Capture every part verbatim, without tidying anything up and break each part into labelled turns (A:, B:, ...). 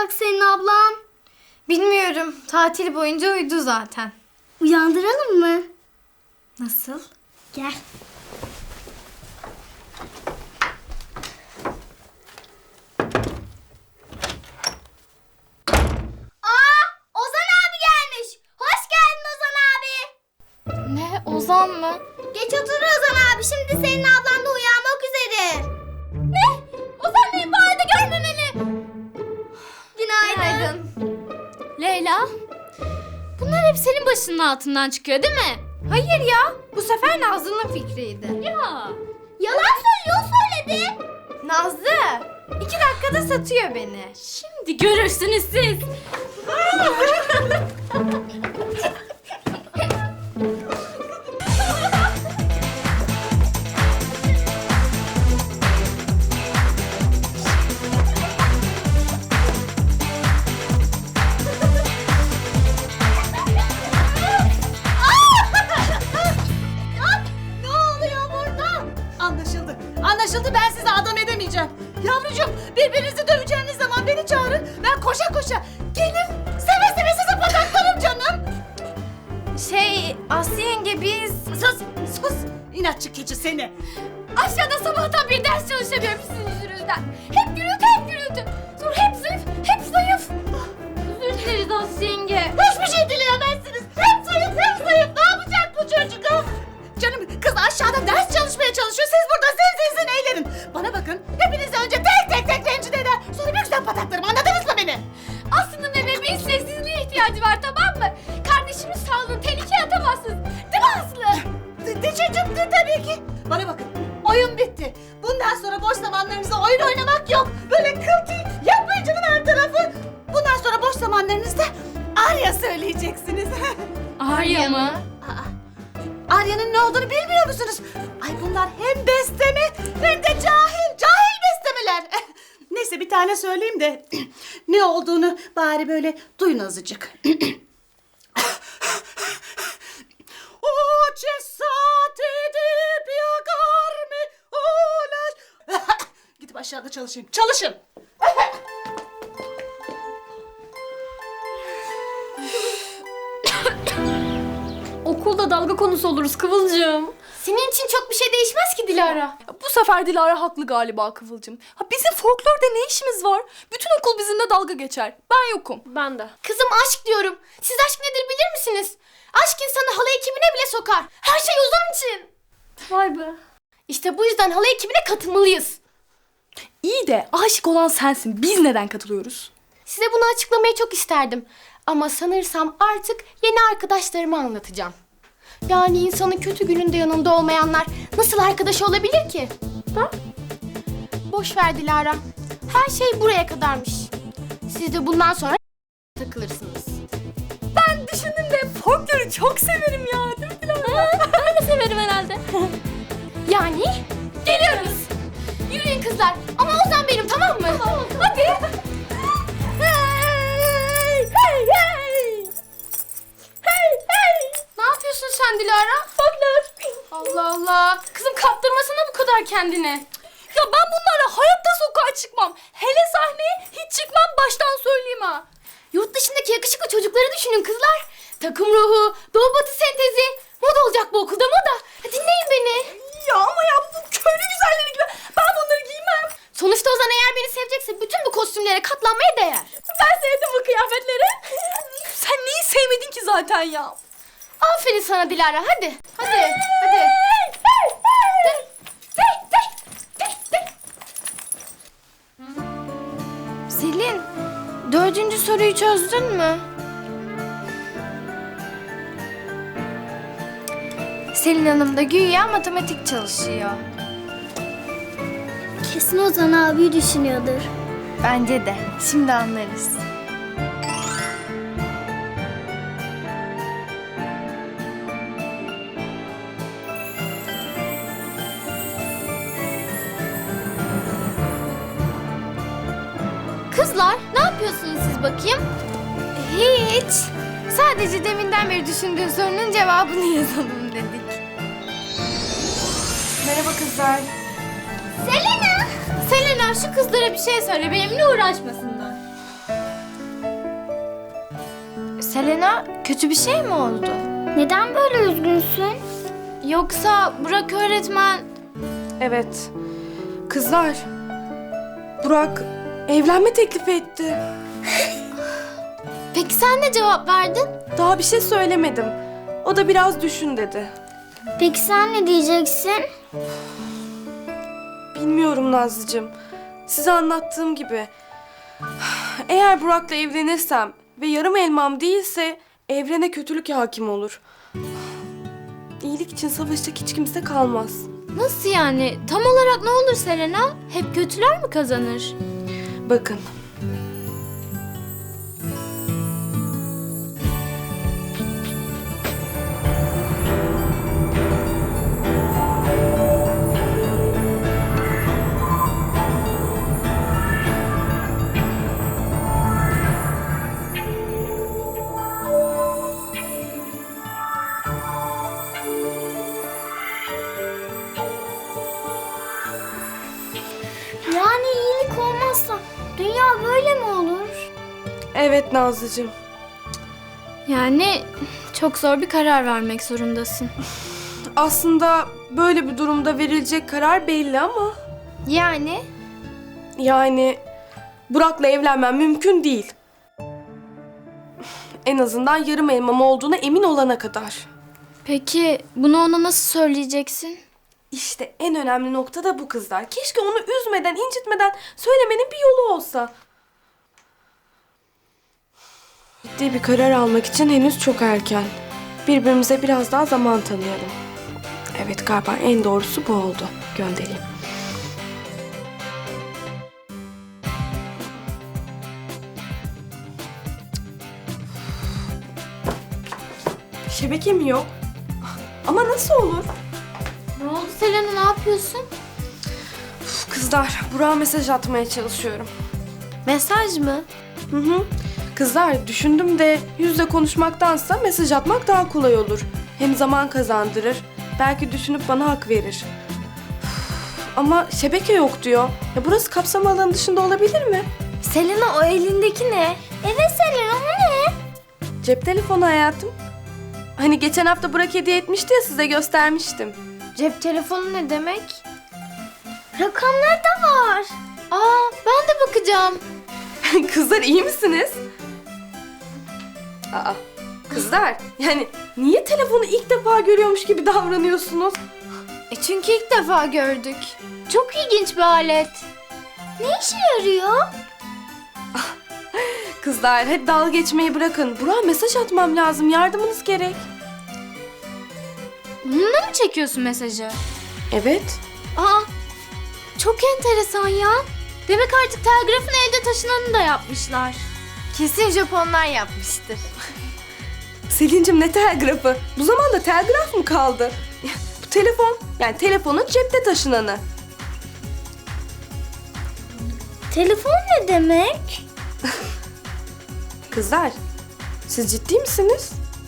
A: uyuyacak senin ablan?
B: Bilmiyorum. Tatil boyunca uyudu zaten.
A: Uyandıralım mı?
B: Nasıl?
A: Gel. Aa, Ozan abi gelmiş. Hoş geldin Ozan abi.
B: Ne? Ozan mı?
A: Geç otur Ozan abi. Şimdi senin ablan da uyanmak üzere. Ne? Ozan beni bu halde görmemeli. Günaydın.
B: Leyla? Bunlar hep senin başının altından çıkıyor değil mi? Hayır ya. Bu sefer Nazlı'nın fikriydi. Ya.
A: Yalan söylüyor, söyledi.
B: Nazlı. iki dakikada satıyor beni. Şimdi görürsünüz siz.
A: Ne oluyor burada?
C: Anlaşıldı. Anlaşıldı, ben sizi adam edemeyeceğim. Yavrucuğum, birbirinizi döveceğiniz zaman beni çağırın. Ben koşa koşa gelir seve seve sizi pataklarım canım.
B: Şey, Aslı yenge biz...
C: Sus, sus. İnatçı keçi seni.
B: Aşağıda sabahtan bir ders çalışamıyorum sizin yüzünüzden. Hep gürültü, hep gürültü. Sonra hep zayıf, hep zayıf. Özür dileriz Aslı yenge.
C: Hiçbir şey dileyemezsiniz. Hep zayıf, hep zayıf. Ne yapacak bu çocuk? ha? Canım, kız aşağıda ders çalışmaya çalışıyor. Siz burada zin zin zin eğlenin. Bana bakın, hepinizi önce tek tek tek rencide eder. Sonra bir güzel pataklarım, anladınız mı beni?
B: Aslı'nın ve bebeğin sessizliğe ihtiyacı var, tamam mı? Kardeşimiz sağlığını tehlikeye atamazsınız. Değil mi Aslı?
C: Diyeceğim de tabii ki. Bana bakın, oyun bitti. Bundan sonra boş zamanlarınızda oyun oynamak yok. Böyle kıl tüy yapmayın canım her tarafı. Bundan sonra boş zamanlarınızda Arya söyleyeceksiniz.
B: Arya mı?
C: Aa, Arya'nın ne olduğunu bilmiyor musunuz? Ay bunlar hem bestemi hem de cahil, cahil bestemeler. Neyse bir tane söyleyeyim de ne olduğunu bari böyle duyun azıcık. O cesat edip yakar mı uğraş... Gidip aşağıda çalışayım. Çalışın.
D: Okulda dalga konusu oluruz Kıvılcım.
B: Senin için çok bir şey değişmez ki Dilara.
D: Bu sefer Dilara haklı galiba Kıvılcım. Ha, bizim folklorda ne işimiz var? Bütün okul bizimle dalga geçer. Ben yokum. Ben de.
B: Kızım aşk diyorum. Siz aşk nedir bilir misiniz? Aşk insanı halay ekibine bile sokar. Her şey Ozan için.
D: Vay be.
B: İşte bu yüzden halay ekibine katılmalıyız.
D: İyi de aşık olan sensin. Biz neden katılıyoruz?
B: Size bunu açıklamayı çok isterdim. Ama sanırsam artık yeni arkadaşlarıma anlatacağım. Yani insanın kötü gününde yanında olmayanlar nasıl arkadaş olabilir ki? Ha? Boş ver Dilara. Her şey buraya kadarmış. Siz de bundan sonra takılırsınız.
D: Ben düşündüm de folkloru çok severim ya. Değil mi Dilara?
B: Ben de severim herhalde. Yani geliyoruz. Yürüyün kızlar. Ama Ozan benim, tamam mı? Hadi. Hey, hey, hey. Hey, hey. Ne yapıyorsun sen Dilara? Folklor. Allah Allah. Kızım kaptırmasana bu kadar kendine.
D: Ya ben bunlarla hayatta sokağa çıkmam. Hele sahneye hiç çıkmam, baştan söyleyeyim ha.
B: Yurt dışındaki yakışıklı çocukları düşünün kızlar. Takım ruhu, doğu batı sentezi. Moda olacak bu okulda, moda. Dinleyin beni.
D: Ya ama ya bu köylü güzelleri gibi. Ben bunları giymem.
B: Sonuçta Ozan eğer beni sevecekse bütün bu kostümlere katlanmaya değer.
D: Ben sevdim bu kıyafetleri. Sen neyi sevmedin ki zaten ya?
B: Aferin sana Dilara, hadi. Hadi, hadi. Selin, dördüncü soruyu çözdün mü? Selin Hanım da güya matematik çalışıyor.
A: Kesin Ozan abi düşünüyordur.
B: Bence de. Şimdi anlarız. Kızlar, ne yapıyorsunuz siz bakayım? Hiç. Sadece deminden beri düşündüğün sorunun cevabını yazalım dedik. Merhaba kızlar.
A: Selena!
B: Selena, şu kızlara bir şey söyle, benimle uğraşmasınlar. Selena, kötü bir şey mi oldu?
A: Neden böyle üzgünsün?
B: Yoksa Burak öğretmen...
E: Evet. Kızlar, Burak evlenme teklifi etti.
B: Peki sen ne cevap verdin?
E: Daha bir şey söylemedim. O da biraz düşün dedi.
A: Peki sen ne diyeceksin?
E: Bilmiyorum Nazlıcığım. Size anlattığım gibi. Eğer Burak'la evlenirsem ve yarım elmam değilse evrene kötülük hakim olur. İyilik için savaşacak hiç kimse kalmaz.
B: Nasıl yani? Tam olarak ne olur Selena? Hep kötüler mi kazanır?
E: Bakın.
A: Yani iyilik olmazsa dünya böyle mi olur?
E: Evet Nazlıcığım.
B: Yani çok zor bir karar vermek zorundasın.
E: Aslında böyle bir durumda verilecek karar belli ama...
B: Yani?
E: Yani Burak'la evlenmem mümkün değil. En azından yarım elmam olduğuna emin olana kadar.
B: Peki bunu ona nasıl söyleyeceksin?
E: İşte en önemli nokta da bu kızlar. Keşke onu üzmeden, incitmeden söylemenin bir yolu olsa. Ciddi bir karar almak için henüz çok erken. Birbirimize biraz daha zaman tanıyalım. Evet, galiba en doğrusu bu oldu. Göndereyim. Şebeke mi yok? Ama nasıl olur?
B: Ne oldu Selena, ne yapıyorsun?
E: Uf, kızlar, Burak'a mesaj atmaya çalışıyorum.
B: Mesaj mı?
E: Hı hı. Kızlar, düşündüm de yüzle konuşmaktansa mesaj atmak daha kolay olur. Hem zaman kazandırır. Belki düşünüp bana hak verir. Üf, ama şebeke yok diyor. Ya burası kapsam alanı dışında olabilir mi?
B: Selena, o elindeki ne?
A: Evet Selena, o ne?
E: Cep telefonu hayatım. Hani geçen hafta Burak hediye etmişti ya, size göstermiştim.
B: Cep telefonu ne demek?
A: Rakamlar da var.
B: Aa, ben de bakacağım.
E: Kızlar, iyi misiniz? Aa, kızlar, yani niye telefonu ilk defa görüyormuş gibi davranıyorsunuz?
B: E çünkü ilk defa gördük. Çok ilginç bir alet.
A: Ne işe yarıyor?
E: Kızlar, hadi dalga geçmeyi bırakın. Burak'a mesaj atmam lazım. Yardımınız gerek.
B: Bununla mı çekiyorsun mesajı?
E: Evet.
B: Aa, çok enteresan ya. Demek artık telgrafın elde taşınanı da yapmışlar. Kesin Japonlar yapmıştır.
E: Selin'cim, ne telgrafı? Bu zamanda telgraf mı kaldı? Bu telefon. Yani telefonun cepte taşınanı.
A: Telefon ne demek?
E: Kızlar, siz ciddi misiniz?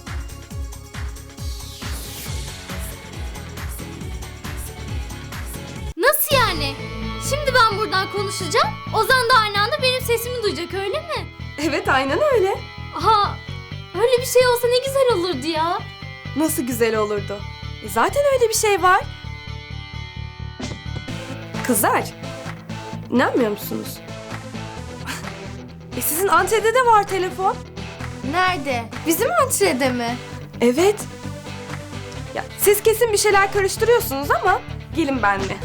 B: Nasıl yani? Şimdi ben buradan konuşacağım. Ozan da aynı anda benim sesimi duyacak, öyle mi?
E: Evet, aynen öyle.
B: Aha, öyle bir şey olsa ne güzel olurdu ya.
E: Nasıl güzel olurdu. E zaten öyle bir şey var. Kızlar, inanmıyor musunuz? E sizin Antre'de de var telefon.
B: Nerede? Bizim antrede mi?
E: Evet. Ya siz kesin bir şeyler karıştırıyorsunuz ama gelin benimle.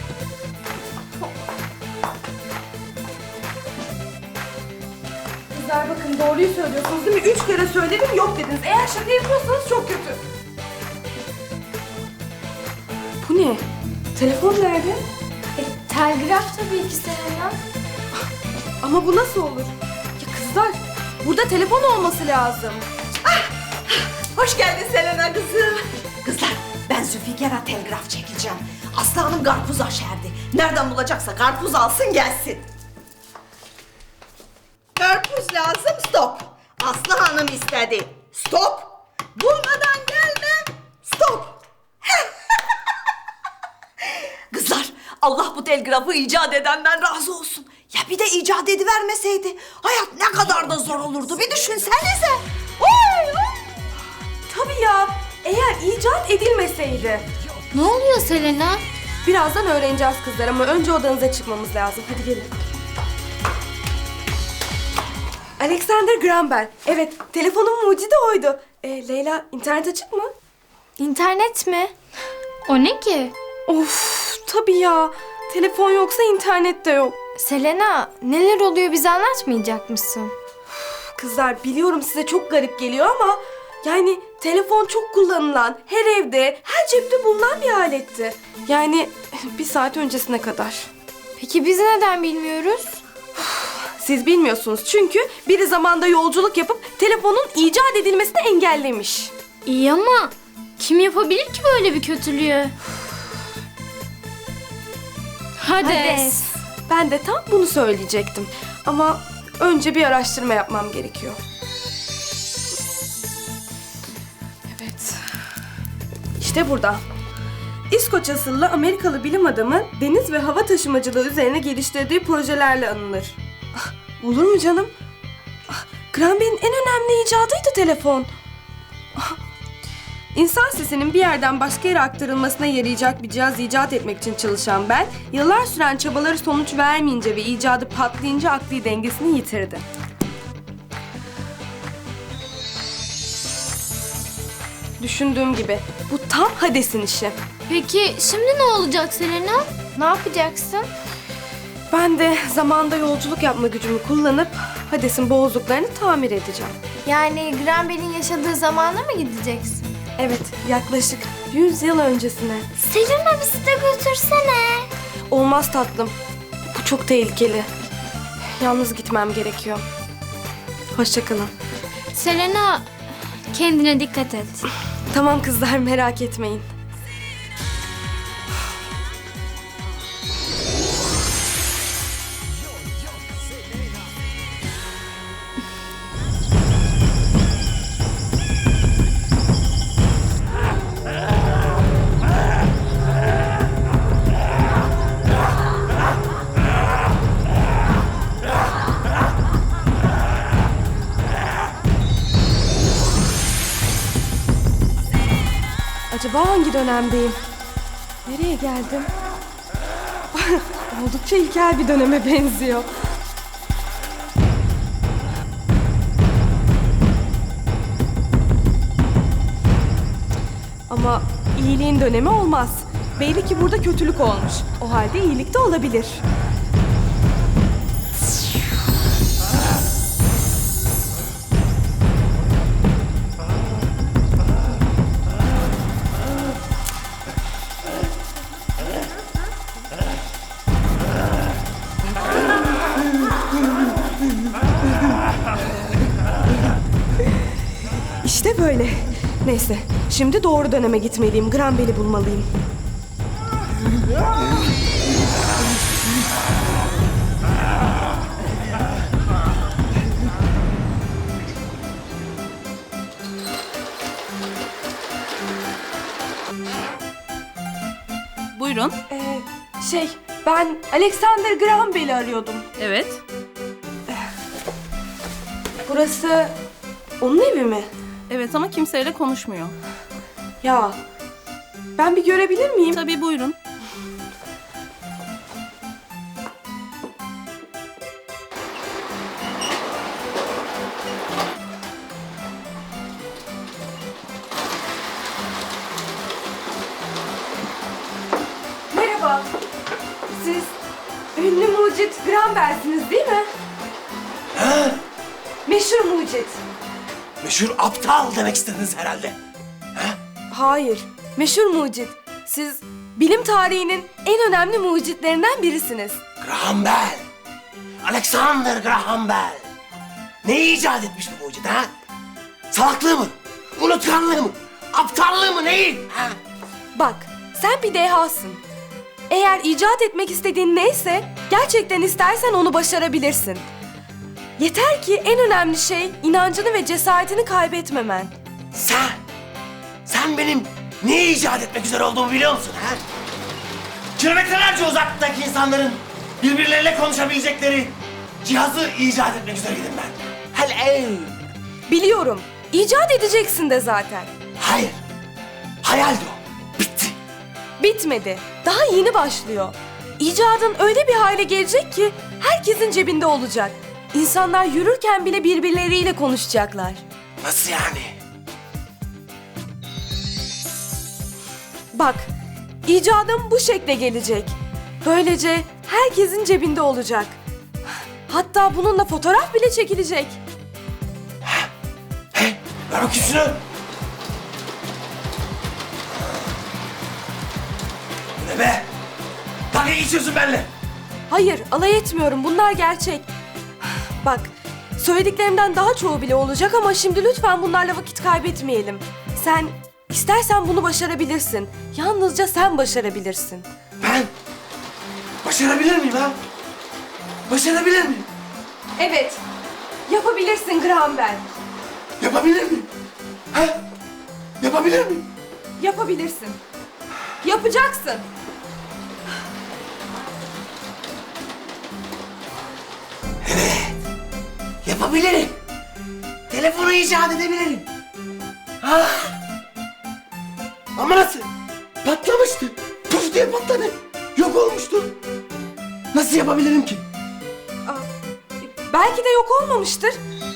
E: Kızlar, bakın doğruyu söylüyorsunuz değil mi? Üç kere söyledim, yok dediniz. Eğer şaka yapıyorsanız çok kötü. Bu ne? Telefon nerede?
B: E, telgraf tabii ki Selena.
E: Ama bu nasıl olur? Ya kızlar, burada telefon olması lazım.
C: Hoş geldin Selena kızım. Kızlar, ben Zülfikar'a telgraf çekeceğim. Aslı Hanım karpuz aşerdi. Nereden bulacaksa karpuz alsın gelsin. Karpuz lazım, stop. Aslı Hanım istedi. Stop. Bulmadan gelmem. Stop. Kızlar, Allah bu telgrafı icat edenden razı olsun. Ya bir de icat edivermeseydi hayat ne kadar da zor olurdu, bir düşünsenize. Oy
E: tabii ya. Eğer icat edilmeseydi.
A: Ne oluyor Selena?
E: Birazdan öğreneceğiz kızlar ama önce odanıza çıkmamız lazım. Hadi gelin. Alexander Graham Bell. Evet, telefonun mucidi oydu. Ee, Leyla, internet açık mı?
A: İnternet mi? O ne ki?
E: Of, tabii ya. Telefon yoksa internet de yok.
A: Selena, neler oluyor bize anlatmayacak mısın?
E: Kızlar, biliyorum size çok garip geliyor ama... Yani telefon çok kullanılan, her evde, her cepte bulunan bir aletti. Yani bir saat öncesine kadar.
A: Peki biz neden bilmiyoruz?
E: Siz bilmiyorsunuz çünkü biri zamanda yolculuk yapıp telefonun icat edilmesini engellemiş.
A: İyi ama kim yapabilir ki böyle bir kötülüğü? Hades.
E: Ben de tam bunu söyleyecektim. Ama önce bir araştırma yapmam gerekiyor. Evet. İşte burada. İskoç asıllı Amerikalı bilim adamı deniz ve hava taşımacılığı üzerine geliştirdiği projelerle anılır. Ah, olur mu canım? Ah, Graham Bell'in en önemli icadıydı telefon. Ah, İnsan sesinin bir yerden başka yere aktarılmasına yarayacak bir cihaz icat etmek için çalışan Bell, yıllar süren çabaları sonuç vermeyince ve icadı patlayınca akli dengesini yitirdi. Düşündüğüm gibi bu tam Hades'in işi.
A: Peki şimdi ne olacak Selena? Ne yapacaksın?
E: Ben de zamanda yolculuk yapma gücümü kullanıp Hades'in boğazlıklarını tamir edeceğim.
A: Yani Graham Bell'in yaşadığı zamana mı gideceksin?
E: Evet, yaklaşık yüz yıl öncesine.
A: Selena bizi de götürsene.
E: Olmaz tatlım. Bu çok tehlikeli. Yalnız gitmem gerekiyor. Hoşça kalın.
A: Selena, kendine dikkat et.
E: Tamam kızlar, merak etmeyin. Acaba hangi dönemdeyim? Nereye geldim? Oldukça ilkel bir döneme benziyor. Ama iyiliğin dönemi olmaz. Belli ki burada kötülük olmuş. O halde iyilik de olabilir. İşte böyle. Neyse, şimdi doğru döneme gitmeliyim. Graham Bell'i bulmalıyım.
C: Buyurun.
E: Ee, şey, ben Alexander Graham Bell'i arıyordum.
C: Evet.
E: Burası onun evi mi?
C: Evet ama kimseyle konuşmuyor.
E: Ya, ben bir görebilir miyim?
C: Tabii buyurun.
E: Merhaba. Siz ünlü mucit Graham Bell'siniz değil mi?
F: Ha?
E: Meşhur mucit.
F: Meşhur aptal demek istediniz herhalde.
E: Hayır, meşhur mucit. Siz bilim tarihinin en önemli mucitlerinden birisiniz.
F: Graham Bell. Alexander Graham Bell. Ne icat etmiş bu mucit ha? Salaklığı mı? Unutkanlığı mı? Aptallığı mı? Neyi? Ha?
E: Bak, sen bir dehasın. Eğer icat etmek istediğin neyse, gerçekten istersen onu başarabilirsin. Yeter ki en önemli şey inancını ve cesaretini kaybetmemen.
F: Sen, sen benim ne icat etmek üzere olduğumu biliyor musun ha? Kilometrelerce uzaktaki insanların birbirleriyle konuşabilecekleri cihazı icat etmek üzereydim ben. Hele
E: Biliyorum, icat edeceksin de zaten.
F: Hayır. Hayaldi o. Bitti.
E: Bitmedi. Daha yeni başlıyor. İcadın öyle bir hale gelecek ki herkesin cebinde olacak. İnsanlar yürürken bile birbirleriyle konuşacaklar.
F: Nasıl yani?
E: Bak, icadım bu şekle gelecek. Böylece herkesin cebinde olacak. Hatta bununla fotoğraf bile çekilecek.
F: He? Ver bakayım şunu. Bu ne be? Dalga geçiyorsun benimle.
E: Hayır, alay etmiyorum. Bunlar gerçek. Bak, söylediklerimden daha çoğu bile olacak ama şimdi lütfen bunlarla vakit kaybetmeyelim. Sen istersen bunu başarabilirsin. Yalnızca sen başarabilirsin.
F: Ben başarabilir miyim ha? Başarabilir miyim?
E: Evet, yapabilirsin Graham Bell.
F: Yapabilir miyim? Ha? Yapabilir miyim?
E: Yapabilirsin. Yapacaksın.
F: Yapabilirim. Telefonu icat edebilirim. Ha? Ama nasıl? Patlamıştı. Puf diye patladı. Yok olmuştu. Nasıl yapabilirim ki?
E: Aa, belki de yok olmamıştır.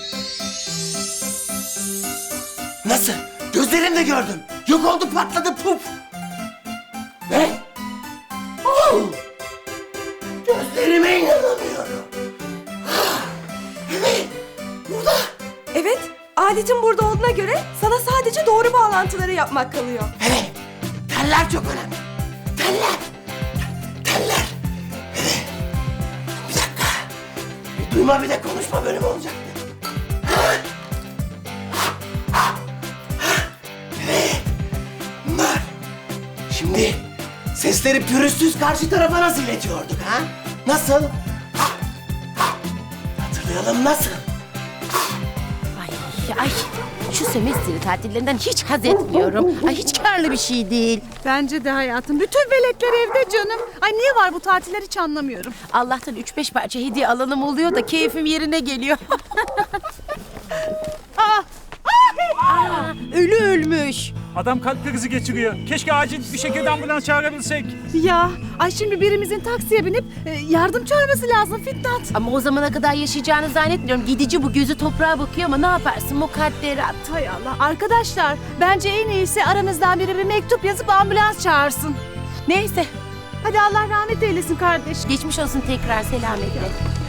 F: Nasıl? Gözlerimle gördüm. Yok oldu, patladı, puf. Ne? Oh! Gözlerime inanamıyorum. Ah! Evet, burada.
E: Evet, aletin burada olduğuna göre sana sadece doğru bağlantıları yapmak kalıyor.
F: Evet, teller çok önemli. Teller. Teller. Evet. Bir dakika. Bir duyma bir de konuşma bölümü olacaktı. Evet. Bunlar. Şimdi sesleri pürüzsüz karşı tarafa nasıl iletiyorduk ha? Nasıl? Hatırlayalım nasıl?
G: Ay, ay şu sömestr tatillerinden hiç haz etmiyorum. Ay hiç karlı bir şey değil.
C: Bence de hayatım. Bütün veletler evde canım. Ay niye var bu tatiller hiç anlamıyorum.
G: Allah'tan üç beş parça hediye alanım oluyor da keyfim yerine geliyor. Aa, ölü ölmüş.
H: Adam kalp krizi geçiriyor. Keşke acil bir şekilde ambulans çağırabilsek.
C: Ya ay şimdi birimizin taksiye binip e, yardım çağırması lazım Fitnat.
G: Ama o zamana kadar yaşayacağını zannetmiyorum. Gidici bu, gözü toprağa bakıyor ama ne yaparsın mukadderat.
C: Hay Allah. Arkadaşlar bence en iyisi aranızdan biri bir mektup yazıp ambulans çağırsın.
G: Neyse,
C: Hadi Allah rahmet eylesin kardeş.
G: geçmiş olsun tekrar, selametle.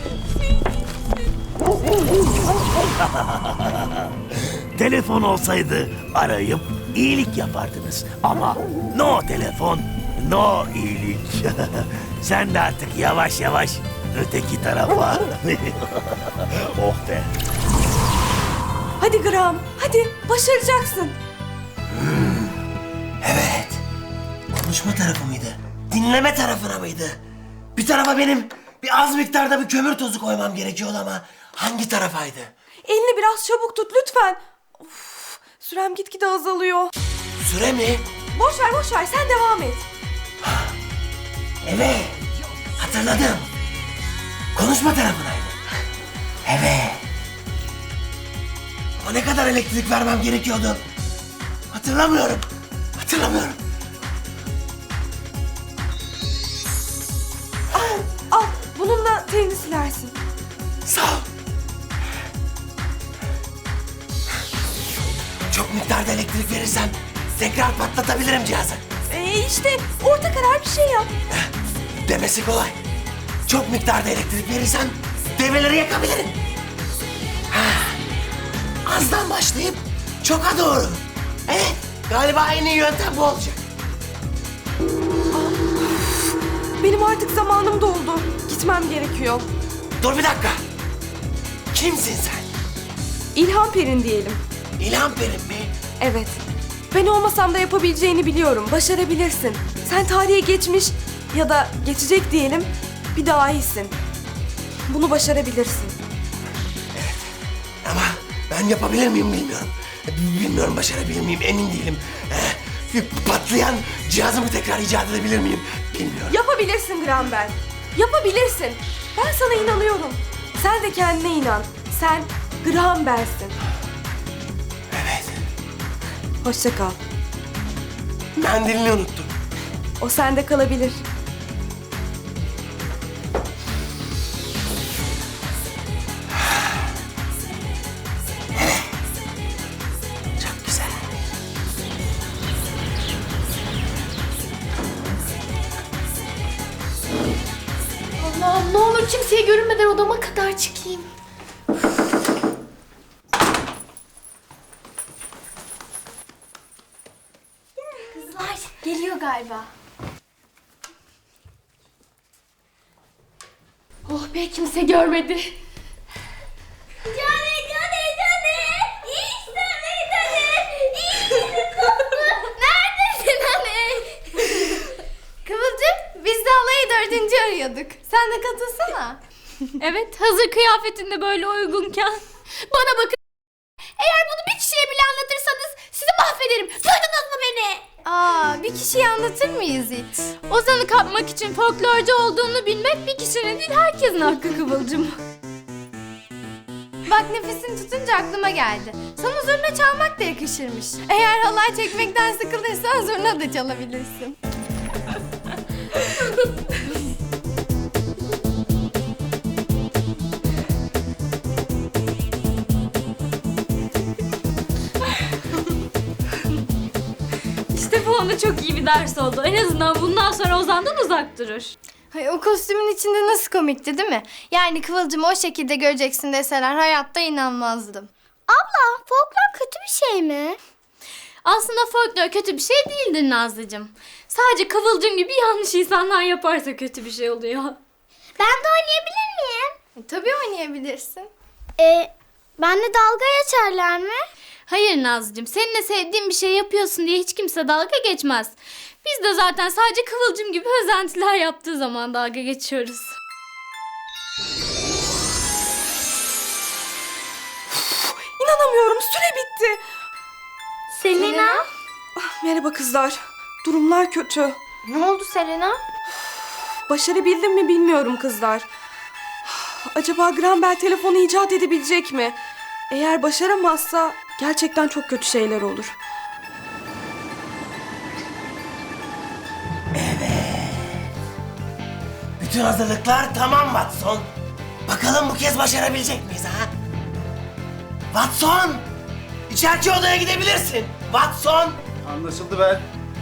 I: Telefon olsaydı arayıp iyilik yapardınız. Ama no telefon, no iyilik. Sen de artık yavaş yavaş öteki tarafa. Oh be.
E: Hadi Graham, hadi başaracaksın.
F: Evet. Konuşma tarafı mıydı? Dinleme tarafına mıydı? Bir tarafa benim bir az miktarda bir kömür tozu koymam gerekiyordu ama hangi tarafaydı?
E: Elini biraz çabuk tut lütfen. Of, sürem gitgide azalıyor.
F: Süre mi?
E: Boş ver, boş ver. Sen devam et.
F: Evet. Hatırladım. Konuşma tarafınaydı. Evet. Ama ne kadar elektrik vermem gerekiyordu? Hatırlamıyorum. Hatırlamıyorum.
E: Al, bununla telini silersin.
F: Sağ ol. Çok miktarda elektrik verirsem tekrar patlatabilirim cihazı.
E: Ee, işte orta karar bir şey yap.
F: Demesi kolay. Çok miktarda elektrik verirsem devreleri yakabilirim. Ha, azdan başlayıp çoka doğru. Evet, galiba en iyi yöntem bu olacak.
E: Benim artık zamanım doldu. Gitmem gerekiyor.
F: Dur bir dakika. Kimsin sen?
E: İlham Perin diyelim.
F: İlham Perin mi?
E: Evet. Ben olmasam da yapabileceğini biliyorum. Başarabilirsin. Sen tarihe geçmiş ya da geçecek diyelim bir dahisin. Bunu başarabilirsin.
F: Ama ben yapabilir miyim bilmiyorum. Bilmiyorum başarabilir miyim emin değilim. Ee, patlayan cihazımı tekrar icat edebilir miyim bilmiyorum.
E: Yapabilirsin Graham Bell. Yapabilirsin. Ben sana inanıyorum. Sen de kendine inan. Sen Graham Bell'sin.
F: Evet.
E: Hoşça kal.
F: Mendilini unuttum.
E: O sende kalabilir.
F: Çok güzel.
B: Allah'ım ne olur kimseye görünmeden odama kadar çıkayım. Kızlar geliyor galiba. Oh be kimse görmedi.
A: Cani cani cani. İşte beni cani. İşte koptu. Neredesin hani?
B: Kıvılcım biz de alayı dördüncü arıyorduk. Sen de katılsana.
D: Evet, hazır kıyafetinde böyle uygunken.
B: Bana bakın. Eğer bunu bir kişiye bile anlatırsanız sizi mahvederim. Duydunuz mu beni? Aa, bir kişiye anlatır mıyız hiç?
D: Ozan'ı kapmak için folklorcu olduğunu bilmek bir kişinin değil herkesin hakkı Kıvılcım.
B: Bak nefesini tutunca aklıma geldi. Sana zurna çalmak da yakışırmış. Eğer halay çekmekten sıkılırsan zurna da çalabilirsin.
D: İşte bu ona çok iyi bir ders oldu. En azından bundan sonra Ozan'dan uzak durur.
B: Hay, o kostümün içinde nasıl komikti değil mi? Yani Kıvılcım'ı o şekilde göreceksin deseler hayatta inanmazdım.
A: Abla folklor kötü bir şey mi?
D: Aslında folklor kötü bir şey değildir Nazlıcığım. Sadece Kıvılcım gibi yanlış insanlar yaparsa kötü bir şey oluyor.
A: Ben de oynayabilir miyim?
B: E, tabii oynayabilirsin.
A: Ee, benle dalga geçerler mi?
D: Hayır Nazlıcığım, seninle sevdiğin bir şey yapıyorsun diye hiç kimse dalga geçmez. Biz de zaten sadece Kıvılcım gibi özentiler yaptığı zaman dalga geçiyoruz.
E: İnanamıyorum, süre bitti.
A: Selena?
E: Merhaba kızlar. Durumlar kötü.
B: Ne oldu Selena?
E: Başarabildim mi bilmiyorum kızlar. Acaba Graham Bell telefonu icat edebilecek mi? Eğer başaramazsa gerçekten çok kötü şeyler olur.
F: Bütün hazırlıklar tamam Watson. Bakalım bu kez başarabilecek miyiz ha? Watson! İçeriki odaya gidebilirsin. Watson!
H: Anlaşıldı be.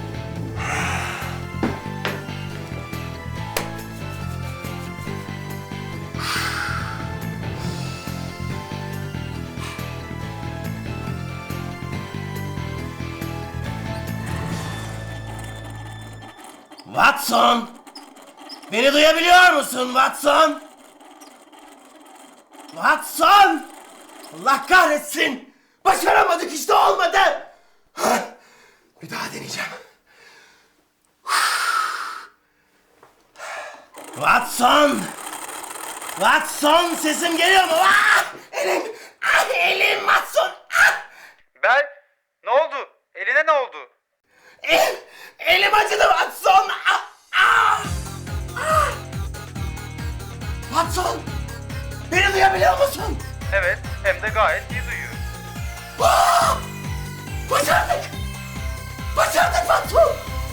F: Watson! Beni duyabiliyor musun Watson? Watson! Allah kahretsin! Başaramadık işte olmadı! Hah! Bir daha deneyeceğim. Watson! Watson sesim geliyor mu? Ah! Elim! Ah, elim Watson! Ah!
J: Bel, ne oldu? Eline ne oldu?
F: El, elim acıdı Watson! Ah! Ah! Ah! Watson! Beni duyabiliyor musun?
J: Evet, hem de gayet iyi duyuyor.
F: Ah! Başardık! Başardık Watson!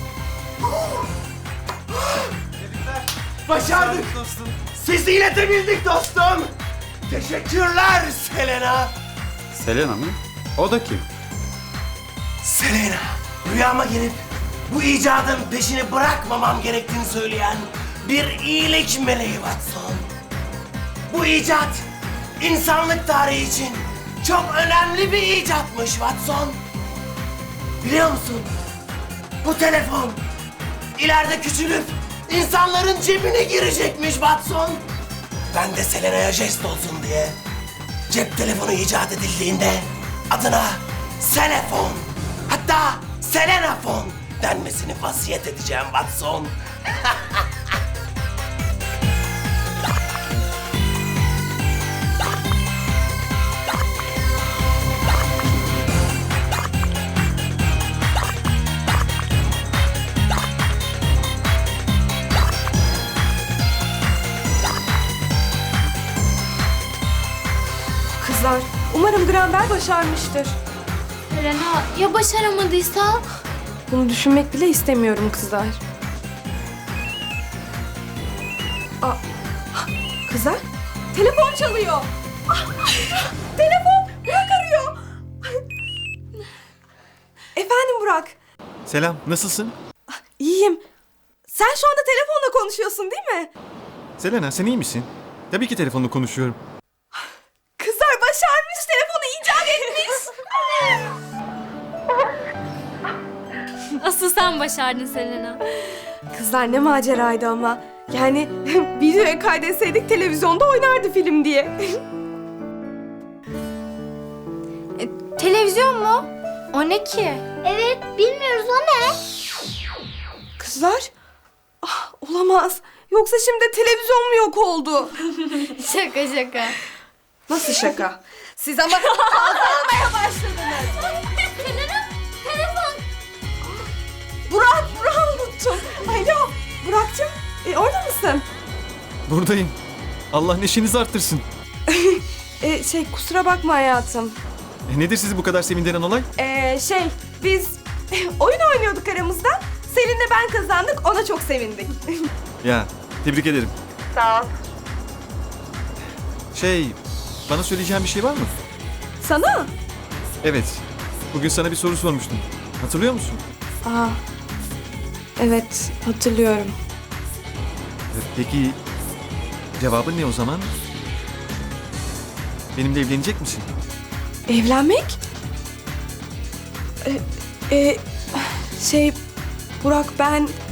F: Başardık!
J: Dostum.
F: Sizi iletebildik dostum! Teşekkürler Selena!
J: Selena mı? O da kim?
F: Selena, rüyama gelip bu icadın peşini bırakmamam gerektiğini söyleyen bir iyilik meleği Watson. Bu icat insanlık tarihi için çok önemli bir icatmış Watson. Biliyor musun? Bu telefon ileride küçülüp insanların cebine girecekmiş Watson. Ben de Selena'ya jest olsun diye cep telefonu icat edildiğinde adına Selefon, hatta Selenafon denmesini vasiyet edeceğim Watson.
E: Kızlar, umarım Graham Bell başarmıştır.
D: Selena ya başaramadıysa?
E: Bunu düşünmek bile istemiyorum kızlar. Aa, kızlar, telefon çalıyor. Ah, telefon, Burak arıyor. Efendim Burak,
J: Selam, nasılsın?
E: iyiyim. Sen şu anda telefonla konuşuyorsun değil mi?
J: Selena, sen iyi misin? Tabii ki telefonla konuşuyorum.
E: Kızlar başarmış, telefonu icat etmiş.
D: Asıl sen başardın Selena.
E: Kızlar ne maceraydı ama. Yani videoya kaydetseydik televizyonda oynardı film diye.
B: Televizyon mu? O ne ki?
A: Evet, bilmiyoruz o ne?
E: Kızlar, ah, olamaz. Yoksa şimdi televizyon mu yok oldu?
B: Şaka şaka.
E: Nasıl şaka? Siz ama fazla olmaya başladınız.
A: Selena, telefon.
E: Burak, Burak'ı unuttum. Alo, Burak'cığım, e, orada mısın?
J: Buradayım. Allah neşenizi arttırsın.
E: E, şey, kusura bakma hayatım.
J: E, nedir sizi bu kadar sevindiren olay?
E: E, şey, biz oyun oynuyorduk aramızda. Selin'le ben kazandık, ona çok sevindik.
J: Ya, tebrik ederim.
E: Sağ ol.
J: Şey, bana söyleyeceğin bir şey var mı?
E: Sana?
J: Evet, bugün sana bir soru sormuştum. Hatırlıyor musun?
E: Aa, evet, hatırlıyorum.
J: E, Peki, cevabın ne o zaman? Benimle evlenecek misin?
E: Evlenmek? E, e, şey, Burak ben